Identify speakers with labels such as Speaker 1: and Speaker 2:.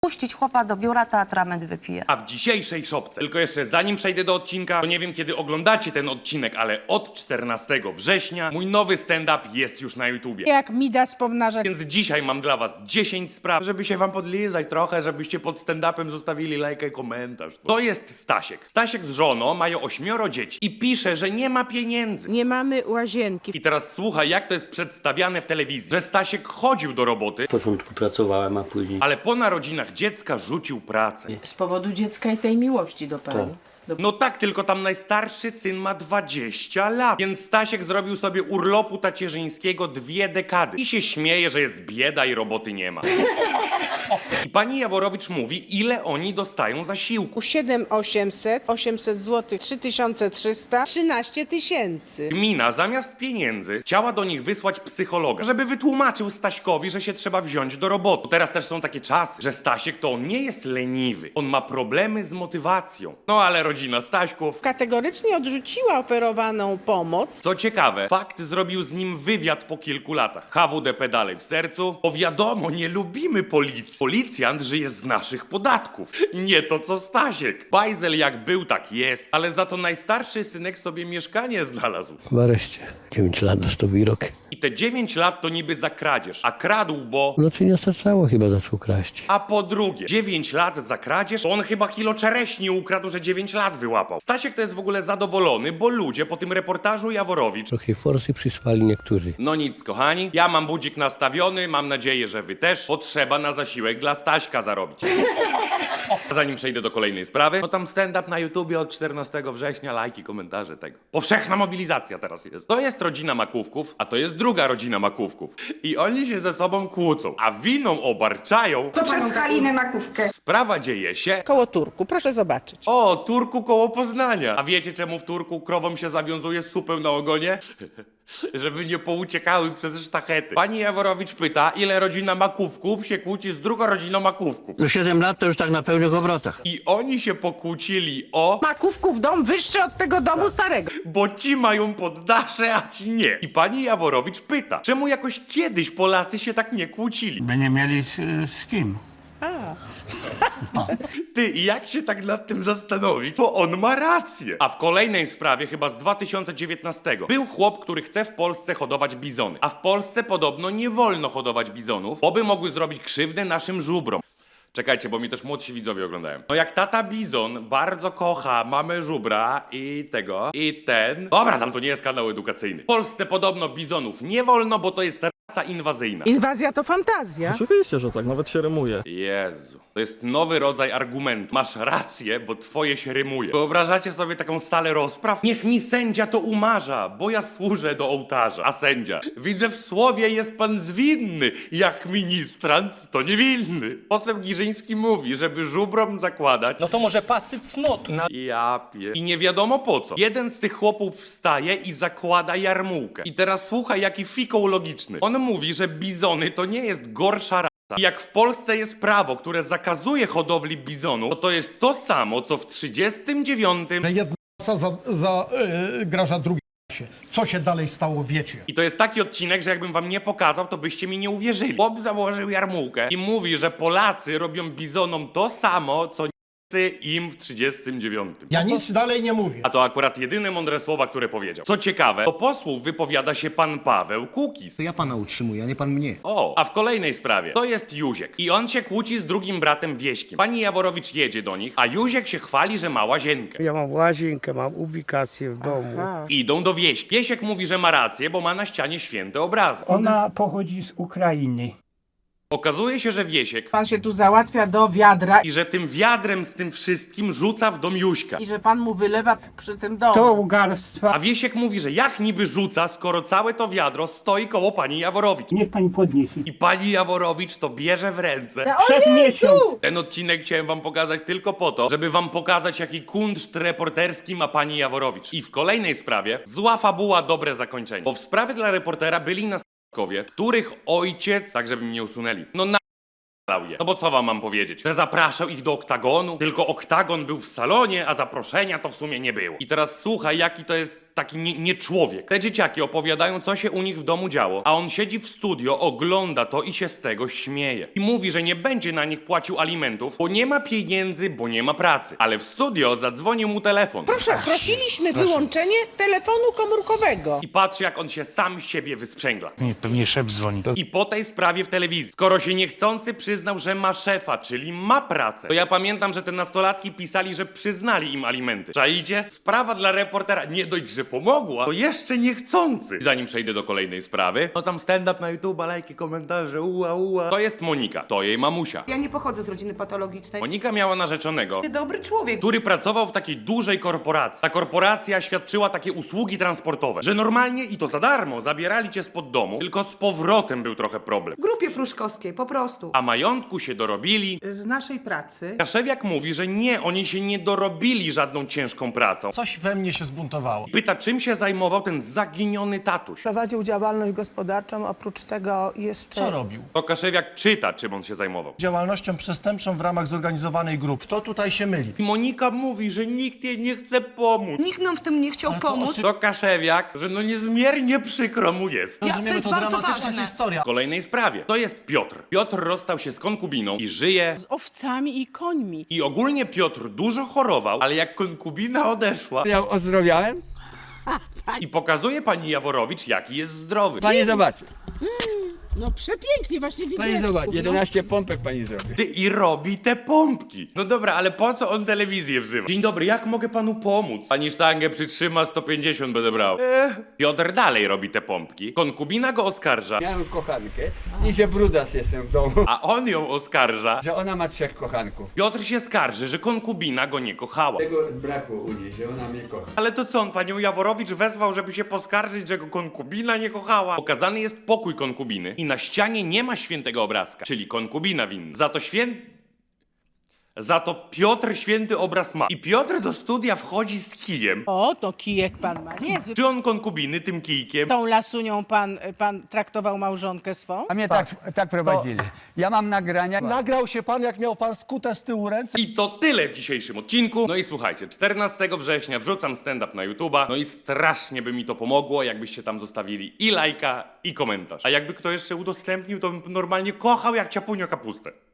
Speaker 1: wpuścić chłopa do biura, to atrament wypije.
Speaker 2: A w dzisiejszej szopce, tylko jeszcze zanim przejdę do odcinka, to nie wiem kiedy oglądacie ten odcinek, ale od 14 września mój nowy stand-up jest już na YouTubie.
Speaker 3: Jak Midas pomnaża.
Speaker 2: Więc dzisiaj mam dla was 10 spraw, żeby się wam podlizać trochę, żebyście pod stand-upem zostawili lajka i komentarz. To jest Stasiek. Stasiek z żoną mają 8 dzieci i pisze, że nie ma pieniędzy.
Speaker 3: Nie mamy łazienki.
Speaker 2: I teraz słuchaj, jak to jest przedstawiane w telewizji, że Stasiek chodził do roboty,
Speaker 4: W początku pracowałem, a później...
Speaker 2: ale po narodzinach dziecka rzucił pracę.
Speaker 3: Z powodu dziecka i tej miłości do pani.
Speaker 2: No tak, tylko tam najstarszy syn ma 20 lat, więc Stasiek zrobił sobie urlopu tacierzyńskiego 2 dekady. I się śmieje, że jest bieda i roboty nie ma. I pani Jaworowicz mówi, ile oni dostają zasiłku.
Speaker 3: 7800, 800 zł, 3300, 13 tysięcy.
Speaker 2: Gmina zamiast pieniędzy chciała do nich wysłać psychologa, żeby wytłumaczył Staśkowi, że się trzeba wziąć do roboty. Teraz też są takie czasy, że Stasiek to on nie jest leniwy, on ma problemy z motywacją. No ale rodzina Staśków...
Speaker 3: Kategorycznie odrzuciła oferowaną pomoc.
Speaker 2: Co ciekawe, Fakt zrobił z nim wywiad po kilku latach. HWDP dalej w sercu, bo wiadomo, nie lubimy policji. Policjant żyje z naszych podatków. Nie to co Stasiek. Bajzel jak był, tak jest, ale za to najstarszy synek sobie mieszkanie znalazł.
Speaker 4: W areszcie. 9 lat dostał wyrok.
Speaker 2: I te 9 lat to niby za kradzież, a kradł, bo...
Speaker 4: No czy nie starczało, chyba zaczął kraść.
Speaker 2: A po drugie, 9 lat za kradzież, to on chyba kilo czereśni ukradł, że 9 lat wyłapał. Stasiek to jest w ogóle zadowolony, bo ludzie po tym reportażu Jaworowicz...
Speaker 4: Trochę forsy przysłali niektórzy.
Speaker 2: No nic, kochani, ja mam budzik nastawiony, mam nadzieję, że wy też. Potrzeba na zasiłek dla Staśka zarobić. Zanim przejdę do kolejnej sprawy, no tam stand-up na YouTubie od 14 września, lajki, komentarze tego. Powszechna mobilizacja teraz jest. To jest rodzina Makówków, a to jest druga rodzina Makówków. I oni się ze sobą kłócą, a winą obarczają.
Speaker 5: To przez Halinę Makówkę.
Speaker 2: Sprawa dzieje się...
Speaker 3: Koło Turku, proszę zobaczyć.
Speaker 2: O, Turku koło Poznania. A wiecie czemu w Turku krowom się zawiązuje supę na ogonie? Żeby nie pouciekały przez sztachety. Pani Jaworowicz pyta, ile rodzina Makówków się kłóci z drugą rodziną Makówków.
Speaker 4: No 7 lat to już tak na pełnych obrotach.
Speaker 2: I oni się pokłócili o...
Speaker 3: Makówków dom wyższy od tego domu starego.
Speaker 2: Bo ci mają poddasze, a ci nie. I pani Jaworowicz pyta, czemu jakoś kiedyś Polacy się tak nie kłócili?
Speaker 6: By nie mieli z kim.
Speaker 2: Ty, i jak się tak nad tym zastanowić, to on ma rację. A w kolejnej sprawie, chyba z 2019, był chłop, który chce w Polsce hodować bizony. A w Polsce podobno nie wolno hodować bizonów, bo by mogły zrobić krzywdę naszym żubrom. Czekajcie, bo mi też młodsi widzowie oglądają. No jak tata bizon bardzo kocha mamę żubra i tego, i ten... Dobra, tam to nie jest kanał edukacyjny. W Polsce podobno bizonów nie wolno, bo to jest rasa inwazyjna.
Speaker 3: Inwazja to fantazja.
Speaker 7: Oczywiście, że tak, nawet się rymuje.
Speaker 2: Jezu, to jest nowy rodzaj argumentu. Masz rację, bo twoje się rymuje. Wyobrażacie sobie taką salę rozpraw? Niech mi sędzia to umarza, bo ja służę do ołtarza. A sędzia, widzę w słowie jest pan zwinny, jak ministrant to niewinny. Poseł Giżyński mówi, żeby żubrom zakładać...
Speaker 8: No to może pasy cnotu.
Speaker 2: I nie wiadomo po co. Jeden z tych chłopów wstaje i zakłada jarmułkę. I teraz słuchaj, jaki fikoł logiczny. On mówi, że bizony to nie jest gorsza rasa. I jak w Polsce jest prawo, które zakazuje hodowli bizonów, to jest to samo, co w 39...
Speaker 9: Jedna rasa zagraża drugiej rasie. Co się dalej stało, wiecie.
Speaker 2: I to jest taki odcinek, że jakbym wam nie pokazał, to byście mi nie uwierzyli. Bob założył jarmułkę i mówi, że Polacy robią bizonom to samo, co im w 39.
Speaker 9: Ja nic dalej nie mówię.
Speaker 2: A to akurat jedyne mądre słowa, które powiedział. Co ciekawe, do posłów wypowiada się pan Paweł Kukiz.
Speaker 10: To ja pana utrzymuję, a nie pan mnie.
Speaker 2: O, a w kolejnej sprawie to jest Józiek i on się kłóci z drugim bratem Wieśkiem. Pani Jaworowicz jedzie do nich, a Józiek się chwali, że ma łazienkę.
Speaker 6: Ja mam łazienkę, mam ubikację w domu.
Speaker 2: Idą do Wieśki. Wiesiek mówi, że ma rację, bo ma na ścianie święte obrazy.
Speaker 8: Ona pochodzi z Ukrainy.
Speaker 2: Okazuje się, że Wiesiek
Speaker 3: Pan się tu załatwia do wiadra
Speaker 2: i że tym wiadrem z tym wszystkim rzuca w dom Jóźka.
Speaker 3: i że pan mu wylewa przy tym domu.
Speaker 8: To ugarstwa.
Speaker 2: A Wiesiek mówi, że jak niby rzuca, skoro całe to wiadro stoi koło pani Jaworowicz.
Speaker 8: Niech pani podniesie.
Speaker 2: I pani Jaworowicz to bierze w ręce.
Speaker 8: Przez miesiąc.
Speaker 2: Ten odcinek chciałem wam pokazać tylko po to, żeby wam pokazać, jaki kunszt reporterski ma pani Jaworowicz. I w kolejnej sprawie zła fabuła, dobre zakończenie. Bo w sprawie dla reportera byli następcowie, których ojciec, tak żeby mnie usunęli, no na je. No bo co wam mam powiedzieć? Że zapraszał ich do oktagonu, tylko oktagon był w salonie, a zaproszenia to w sumie nie było. I teraz słuchaj, jaki to jest taki nie człowiek. Te dzieciaki opowiadają, co się u nich w domu działo, a on siedzi w studio, ogląda to i się z tego śmieje. I mówi, że nie będzie na nich płacił alimentów, bo nie ma pieniędzy, bo nie ma pracy. Ale w studio zadzwonił mu telefon.
Speaker 3: Proszę, prosiliśmy wyłączenie telefonu komórkowego.
Speaker 2: I patrzy, jak on się sam siebie wysprzęgla.
Speaker 10: Nie, pewnie szef dzwoni.
Speaker 2: I po tej sprawie w telewizji, skoro się niechcący przyznał, że ma szefa, czyli ma pracę, to ja pamiętam, że te nastolatki pisali, że przyznali im alimenty. Czaicie? Sprawa dla reportera nie dość, że pomogła, to jeszcze niechcący. Zanim przejdę do kolejnej sprawy, no tam stand-up na YouTube, lajki, komentarze, ua. To jest Monika, to jej mamusia.
Speaker 5: Ja nie pochodzę z rodziny patologicznej.
Speaker 2: Monika miała narzeczonego,
Speaker 5: Dobry człowiek.
Speaker 2: który pracował w takiej dużej korporacji. Ta korporacja świadczyła takie usługi transportowe, że normalnie i to za darmo zabierali cię spod domu, tylko z powrotem był trochę problem.
Speaker 5: W grupie pruszkowskiej, po prostu.
Speaker 2: A majątku się dorobili.
Speaker 5: Z naszej pracy.
Speaker 2: Kaszewiak mówi, że nie, oni się nie dorobili żadną ciężką pracą.
Speaker 9: Coś we mnie się zbuntowało.
Speaker 2: Pyta, czym się zajmował ten zaginiony tatuś.
Speaker 5: Prowadził działalność gospodarczą, oprócz tego jeszcze...
Speaker 9: Co robił?
Speaker 2: To Kaszewiak czyta, czym on się zajmował.
Speaker 9: Działalnością przestępczą w ramach zorganizowanej grupy. Kto tutaj się myli?
Speaker 2: I Monika mówi, że nikt jej nie chce pomóc.
Speaker 5: Nikt nam w tym nie chciał pomóc.
Speaker 2: To Kaszewiak, że no niezmiernie przykro mu jest.
Speaker 9: Rozumiemy,
Speaker 5: jest
Speaker 9: to
Speaker 5: bardzo
Speaker 9: dramatyczna
Speaker 5: ważne.
Speaker 9: historia.
Speaker 2: W kolejnej sprawie. To jest Piotr. Piotr rozstał się z konkubiną i żyje.
Speaker 3: Z owcami i końmi.
Speaker 2: I ogólnie Piotr dużo chorował, ale jak konkubina odeszła
Speaker 8: Ja ozdrowiałem?
Speaker 2: i pokazuje pani Jaworowicz, jaki jest zdrowy.
Speaker 8: Pani zobaczy.
Speaker 3: No przepięknie, właśnie
Speaker 8: Pani
Speaker 3: widziałem.
Speaker 8: zobaczy. 11 pompek pani zrobi.
Speaker 2: Ty i robi te pompki. No dobra, ale po co on telewizję wzywa? Dzień dobry, jak mogę panu pomóc? Pani sztangę przytrzyma, 150 będę brał. Piotr dalej robi te pompki. Konkubina go oskarża,
Speaker 8: Miałem kochankę i że brudas jestem w domu.
Speaker 2: a on ją oskarża.
Speaker 8: Że ona ma 3 kochanków.
Speaker 2: Piotr się skarży, że konkubina go nie kochała.
Speaker 8: Tego brakło u niej, że ona mnie kocha.
Speaker 2: Ale to co, on panią Jaworowicz wezwał, żeby się poskarżyć, że go konkubina nie kochała? Pokazany jest pokój konkubiny i na ścianie nie ma świętego obrazka, czyli konkubina winna. Za to Piotr święty obraz ma. I Piotr do studia wchodzi z kijem.
Speaker 3: O, to kijek pan ma niezły.
Speaker 2: Czy on konkubiny tym kijkiem?
Speaker 3: Tą lasunią pan traktował małżonkę swą?
Speaker 8: A mnie tak prowadzili. Ja mam nagrania.
Speaker 9: Nagrał się pan, jak miał pan skute z tyłu ręce.
Speaker 2: I to tyle w dzisiejszym odcinku. No i słuchajcie, 14 września wrzucam stand-up na YouTube'a. No i strasznie by mi to pomogło, jakbyście tam zostawili i lajka, i komentarz. A jakby kto jeszcze udostępnił, to bym normalnie kochał jak ciapunio kapustę.